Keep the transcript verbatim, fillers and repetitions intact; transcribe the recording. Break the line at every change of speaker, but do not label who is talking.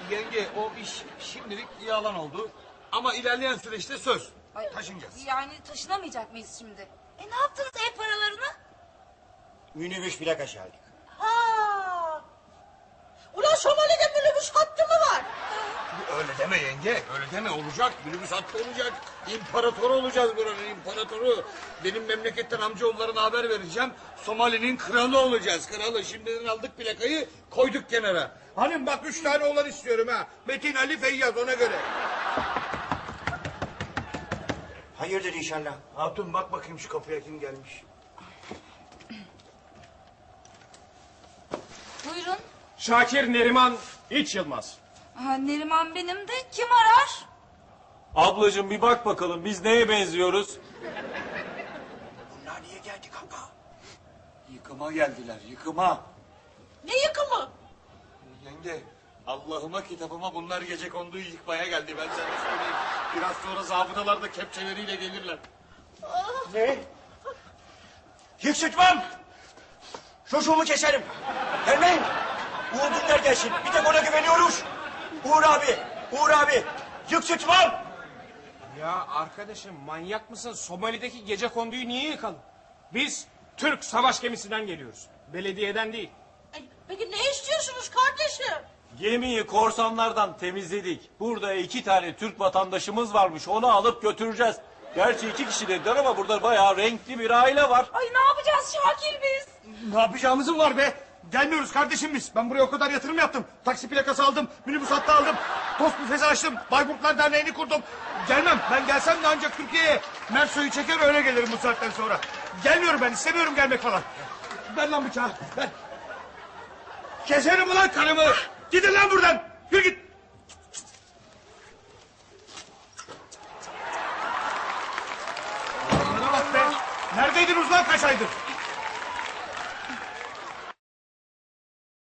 Yenge o iş şimdilik yalan oldu. Ama ilerleyen süreçte söz.
Ay,
Taşınacağız.
Yani taşınamayacak mıyız şimdi? E ne yaptınız ev paralarını?
Minibüs plakası aldık.
Ha. Ulan Somali'de minibüs hattı mı var?
Öyle deme yenge, öyle deme. Olacak, minibüs hattı olacak. İmparatoru olacağız buranın, imparatoru. Benim memleketten amcaoğullarına haber vereceğim. Somali'nin kralı olacağız, kralı. Şimdiden aldık plakayı, koyduk kenara. Hanım bak üç tane oğlan istiyorum ha. Metin, Ali, Feyyaz, ona göre.
Hayırdır inşallah.
Hatun bak bakayım şu kapıya kim gelmiş.
Buyurun.
Şakir Neriman İç Yılmaz.
Ha, Neriman benim de kim arar?
Ablacığım bir bak bakalım biz neye benziyoruz?
Bunlar niye geldi kanka?
Yıkıma geldiler, yıkıma.
Ne yıkımı?
Yenge, Allah'ıma kitabıma bunlar gecekonduyu yıkmaya geldi. Ben sana söyleyeyim. Biraz sonra zabıtalar da kepçeleriyle gelirler.
Ne? Yıksıtmam! Çocuğumu keserim. Gelmeyin. Uğur Dündar gelsin. Bir tek ona güveniyoruz. Uğur abi, Uğur abi. Yıksıtmam!
Ya arkadaşım manyak mısın? Somali'deki gecekonduyu niye yıkalım? Biz Türk savaş gemisinden geliyoruz. Belediyeden değil.
Ay, peki ne istiyorsunuz kardeşim?
Gemiyi korsanlardan temizledik. Burada iki tane Türk vatandaşımız varmış. Onu alıp götüreceğiz. Gerçi iki kişi dediler ama burada bayağı renkli bir aile var.
Ay ne yapacağız Şakir biz?
Ne yapacağımız mı var be? Gelmiyoruz kardeşim biz. Ben buraya o kadar yatırım yaptım. Taksi plakası aldım, minibüs hattı aldım. Tost büfesi açtım, Bayburtlar Derneği'ni kurdum. Gelmem, ben gelsem de ancak Türkiye'ye Merso'yu çeker öyle gelirim bu saatten sonra. Gelmiyorum ben, istemiyorum gelmek falan. Ver lan bıçağı, ver. Keserim ulan karımı. Gidin lan buradan, yürü git. Bana bak be, neredeydiniz lan kaç aydır?